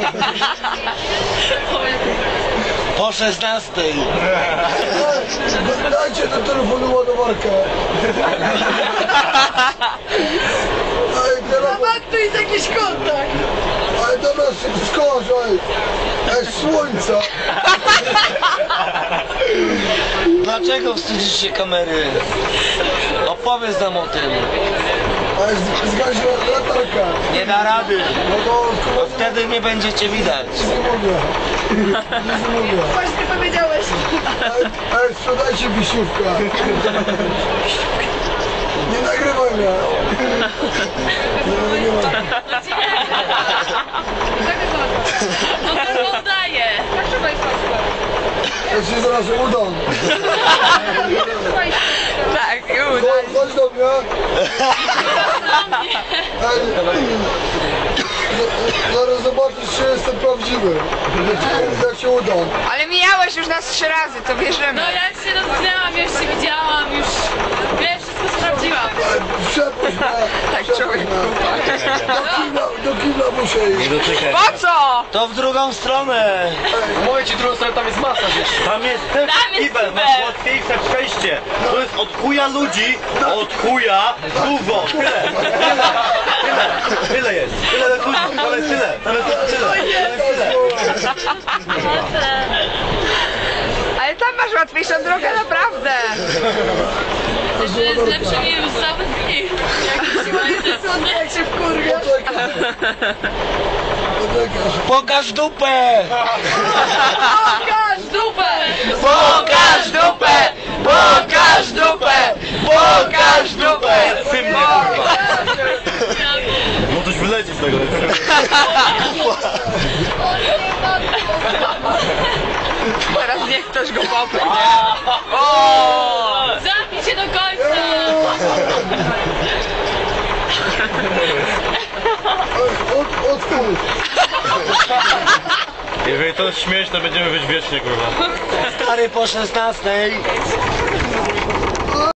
Po 16. Dajcie do telefonu ładowarkę. Tu jest jakiś kontakt. Ale dobra, skorzaj. Słońca. Dlaczego wstydzisz się kamery? Opowiedz nam o tym. Ale zgasiła latarka. Nie da rady. No to Bo wtedy nie będziecie widać. nie mogę. Nie mogę. Właśnie powiedziałeś. Ale sprzedajcie wisiówkę. Nie nagrywaj mnie. Nie nagrywaj. No to oddaję. Ja ci zaraz udam. Tak, już. Chodź do mnie. Zaraz zobaczysz, czy jestem prawdziwy. Jak się udam. Ale mijałeś już nas 3 razy, to wierzymy. No ja się dotknęłam, już się widziałam, już wiesz, wszystko sprawdziłam. Przepuść mnie. Tak, człowiek. Do kibla muszę iść. Po co? To w drugą stronę. Mówię ci, drugą stronę, tam jest masa, wiesz. Tam jest też Tam jest kibel, kibel. masz łatwiejsze przejście. To jest od chuja ludzi, od chuja dużo. Tyle jest. Tyle ludzi, ale tyle. Tam jest tyle. Ale tam masz łatwiejszą drogę, naprawdę. Że jest lepsze mi już zamknij. Jak się wkurwia. Pokaż dupę! Pokaż dupę! Pokaż dupę! Pokaż dupę! Pokaż dupę! Tym nie kurwa. No coś wyleci z tego. Teraz niech ktoś go popnie. O! Zamknij się do końca! Otwórz. Jeżeli to jest śmieć, to będziemy być wiecznie kurwa. Stary po 16.